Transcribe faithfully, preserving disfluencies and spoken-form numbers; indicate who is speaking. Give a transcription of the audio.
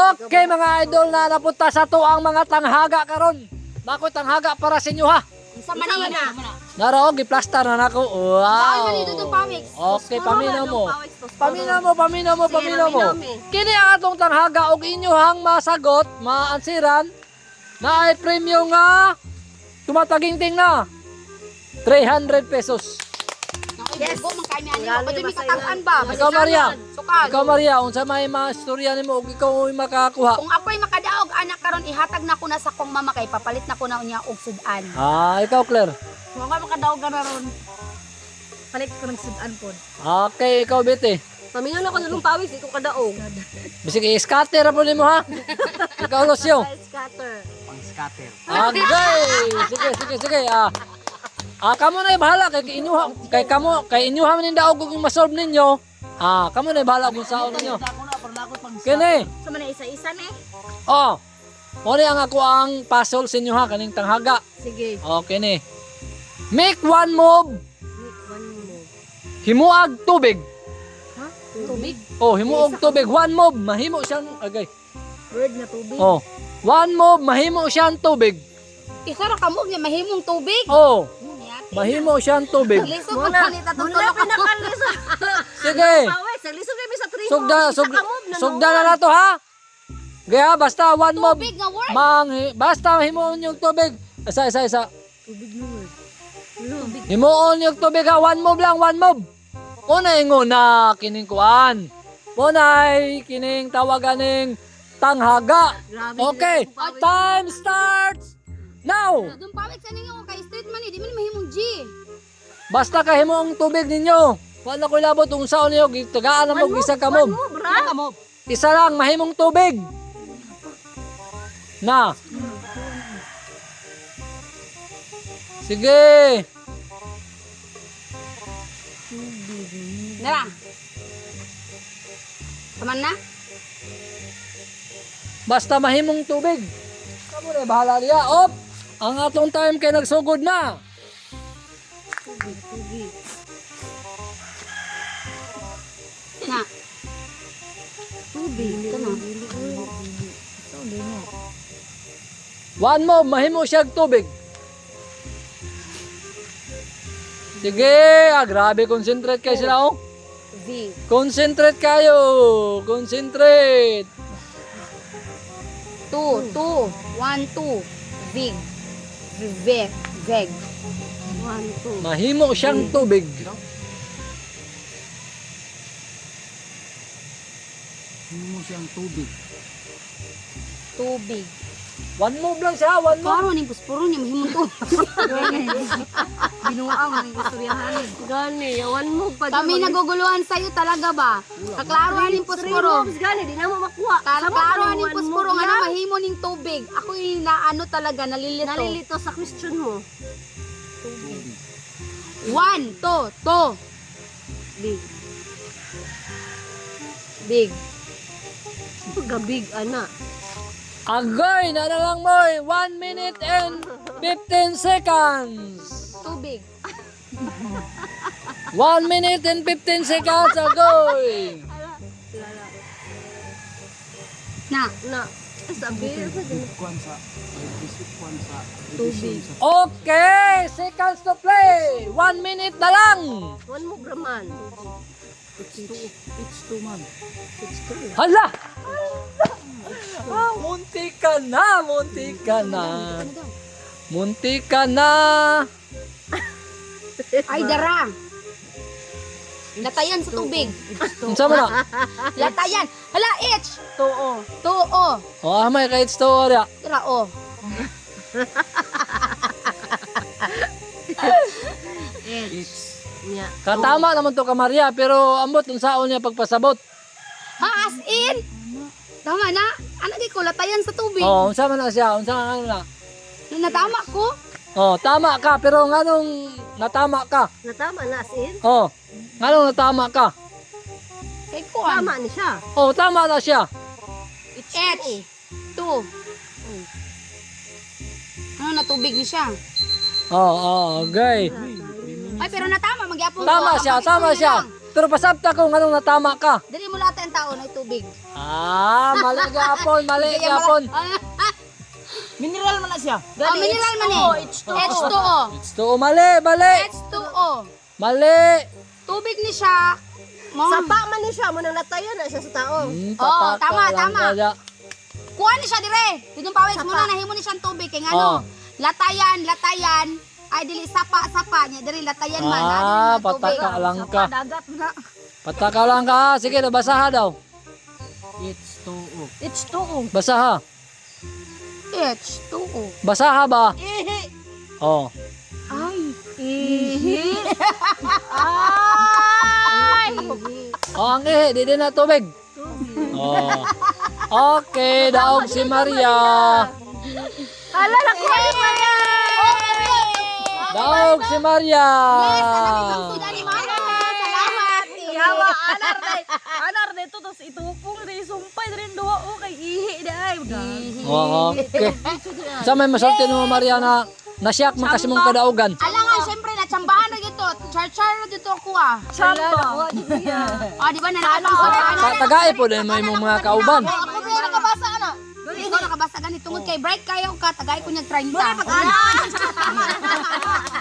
Speaker 1: Okay mga idol na napunta sa to ang mga tanghaga karon. Nako tanghaga para sa inyo ha.
Speaker 2: Sa Manila.
Speaker 1: Naro giplastar na nako.
Speaker 2: Wow.
Speaker 1: Wow. Okay, paminaw mo. Paminaw mo, paminaw mo, paminaw mo. Kini ang atong tanghaga og inyohang masagot, maansiran na ay premyo nga tumataginting na three hundred pesos.
Speaker 2: Yes. Go man kami ani. Pwede mi katagan ba?
Speaker 1: Ikaw Maria.
Speaker 2: Sukad.
Speaker 1: Ikaw Maria, unsa may mga istorya nimo og ikaw ay makakuha?
Speaker 2: Kung ako'y makadaog anak karon ihatag na ko na sa kong mama kay papalit na ko na unya og sudan.
Speaker 1: Ah, ikaw Claire.
Speaker 2: Kung ako makadaog ka na ron. Palit ko ng sudan pod.
Speaker 1: Okay, ikaw Bete.
Speaker 2: Paminaw na ko nung pawis iko kadaog.
Speaker 1: Bisig i-scatter ra po nimo ha. Ikaw Lucio.
Speaker 2: Scatter.
Speaker 3: Pang scatter.
Speaker 1: Agay! Sige, sige, sige. Ah, ah kamo na bahala kay inyuha kay kamo kay inyuha man daog kung ma-solve ninyo. Ah, kamo na bahala kung saon ninyo.
Speaker 3: Ako na para ako pang
Speaker 1: Kini.
Speaker 2: So man isa-isa ni.
Speaker 1: Oh. Mo ang ako ang puzzle sa inyo ha kaning tanghaga.
Speaker 2: Sige.
Speaker 1: Okay ni. Make one move.
Speaker 2: One more.
Speaker 1: Himuag tubig.
Speaker 2: Ha? Tubig.
Speaker 1: Oh, himuog tubig. One move, mahimo siyang agay.
Speaker 2: Word na tubig.
Speaker 1: Oh. One move, mahimo siyang tubig.
Speaker 2: Isa ra kamo nga mahimong tubig.
Speaker 1: Oh. Mahimo siyang tubig.
Speaker 2: Lisod ko panita tong tulo ka nakalisod.
Speaker 1: Sige.
Speaker 2: Pawis, lisod kay sa three.
Speaker 1: Sugda, sug, sugda na nato ha. Gaya basta one mob.
Speaker 2: Tubig nga word.
Speaker 1: Mang basta himuon yung tubig. Isa isa isa.
Speaker 2: Tubig nga word. Tubig.
Speaker 1: Himuon yung tubig ha, one mob lang, one mob. Una ingon na kining kuan. Unay kining tawagan tanghaga. Okay. Time starts now.
Speaker 2: Dun pawis sa ninyo kay street man di man mahimong G.
Speaker 1: Basta ka himuong tubig ninyo. Wala ko labot kung saan niyo gitagaan na mo isa ka mob.
Speaker 2: Bra.
Speaker 1: Isa lang mahimong tubig. Na. Sige.
Speaker 2: Nara. Taman na?
Speaker 1: Basta mahimong tubig. Kamu na bahala niya. Op. Ang atong time kay nagsugod na.
Speaker 2: Na. Tubig. Ito na.
Speaker 1: One mo, mahimo siya tubig. Sige, ah, grabe concentrate kayo sila oh.
Speaker 2: V.
Speaker 1: Concentrate kayo. Concentrate.
Speaker 2: Two. Two. One, two. Vig. Veg. Veg. One, two.
Speaker 1: Mahimo siyang tubig.
Speaker 3: Hindi mo siyang tubig.
Speaker 2: Tubig.
Speaker 1: One move lang siya, one move.
Speaker 2: Karo ni puspuro niya mahimong to. Binuang ng istoryahan.
Speaker 4: Gani, one move pa.
Speaker 2: Kami naguguluhan sa'yo talaga ba? Kaklaro aning puspuro.
Speaker 4: Gani, di na mo makuha.
Speaker 2: Kaklaro aning puspuro nga na mahimo ning tubig. Ako yung naano talaga, nalilito.
Speaker 4: Nalilito sa question mo.
Speaker 2: One, two, two.
Speaker 4: Big.
Speaker 2: Big.
Speaker 4: Gabig, ana.
Speaker 1: Agay, na na lang mo. one minute and fifteen seconds.
Speaker 2: Tubig.
Speaker 1: one minute and fifteen seconds, agoy.
Speaker 2: Na.
Speaker 4: Na. Sabi.
Speaker 3: Big kwan sa basic kwan sa
Speaker 4: Tubig.
Speaker 1: Okay, seconds to play. one minute na lang.
Speaker 4: One move raman.
Speaker 3: it's two it's two man.
Speaker 4: It's two.
Speaker 1: Hala! Ah, munti ka na, munti ka na. Munti ka na.
Speaker 2: Ay, dara. Latayan sa tubig.
Speaker 1: Unsa mo na?
Speaker 2: Latayan. Hala, H.
Speaker 4: Too.
Speaker 2: Tuo.
Speaker 1: Oh, amay kahit story.
Speaker 2: Dara, O.
Speaker 3: It's
Speaker 4: Nya.
Speaker 1: Katama naman to ka Maria, pero ambot unsaon niya pagpasabot.
Speaker 2: Ha, as in? Tama na. Ano di ko, latayan sa tubig.
Speaker 1: Oh, unsa man na siya? Unsa man ano na?
Speaker 2: Natama ko.
Speaker 1: Oh, tama ka, pero nganong natama ka?
Speaker 4: Natama na as in.
Speaker 1: Oh, nganong natama ka?
Speaker 2: Kay Kuan.
Speaker 4: Tama ni siya.
Speaker 1: Oh, tama na siya.
Speaker 4: It's
Speaker 2: H. Two. Ano na tubig ni siya?
Speaker 1: Oh, oh, okay.
Speaker 2: Ay, pero natama. Magyapon ko.
Speaker 1: Tama
Speaker 2: Ang
Speaker 1: siya,
Speaker 2: pag-istorya
Speaker 1: tama siya.
Speaker 2: lang.
Speaker 1: Pero pasabta ko nganong natama ka.
Speaker 2: Dali mo lahat ng tao na tubig.
Speaker 1: Ah, mali gapon, mali gapon.
Speaker 3: Mineral man na siya.
Speaker 2: Oh, mineral man eh. H two O.
Speaker 1: It's to mali, mali.
Speaker 2: H two O.
Speaker 1: Mali.
Speaker 2: Tubig ni siya. Mo.
Speaker 4: Sapa man ni siya, munang natayan na siya sa tao.
Speaker 1: Hmm,
Speaker 2: Oo,
Speaker 1: pataka
Speaker 2: tama,
Speaker 1: lang
Speaker 2: tama.
Speaker 1: kaya.
Speaker 2: Kuha ni siya dire. Dito pawis muna nahimo ni siyang tubig kay
Speaker 1: Oh.
Speaker 2: ano? Latayan, latayan. Ay dili sapa sapa niya dire latayan man. Ano
Speaker 1: Ah,
Speaker 2: na tubig.
Speaker 1: pataka lang ka.
Speaker 2: Dagat na.
Speaker 1: Pataka lang ka. ha. Sige, basaha daw.
Speaker 3: H two O.
Speaker 2: H two O.
Speaker 1: Basaha.
Speaker 2: H two O.
Speaker 1: Basaha ba? Oh.
Speaker 2: Ay. Ihi. Ay.
Speaker 1: Oh, ang ihi, di din na tubig. Oh. Okay, daog si Maria.
Speaker 2: Hala na kuha ni Maria.
Speaker 1: Daog si Maria.
Speaker 2: Yes, alam mo bang ni Mama. Salamat.
Speaker 5: Yawa, anar day. Anar day to tos itupong day sumpay rin duwa o kay ihi day.
Speaker 1: Oh, okay. Sa may masulti mo Maria na nasyak man kasi mong kadaugan.
Speaker 2: Alangan, syempre, natsambahan na dito. Char-char na dito ako ah.
Speaker 5: Chamba.
Speaker 2: O, di ba, nanaano ko na ano?
Speaker 1: Ta- Tagay po din mo imong mga kauban.
Speaker 2: Ako ba yung nakabasa, ano? Ikaw nakabasa ganit. Tungod kay bright kayo ka, tagay ko niya treinta. Muna pag-ano.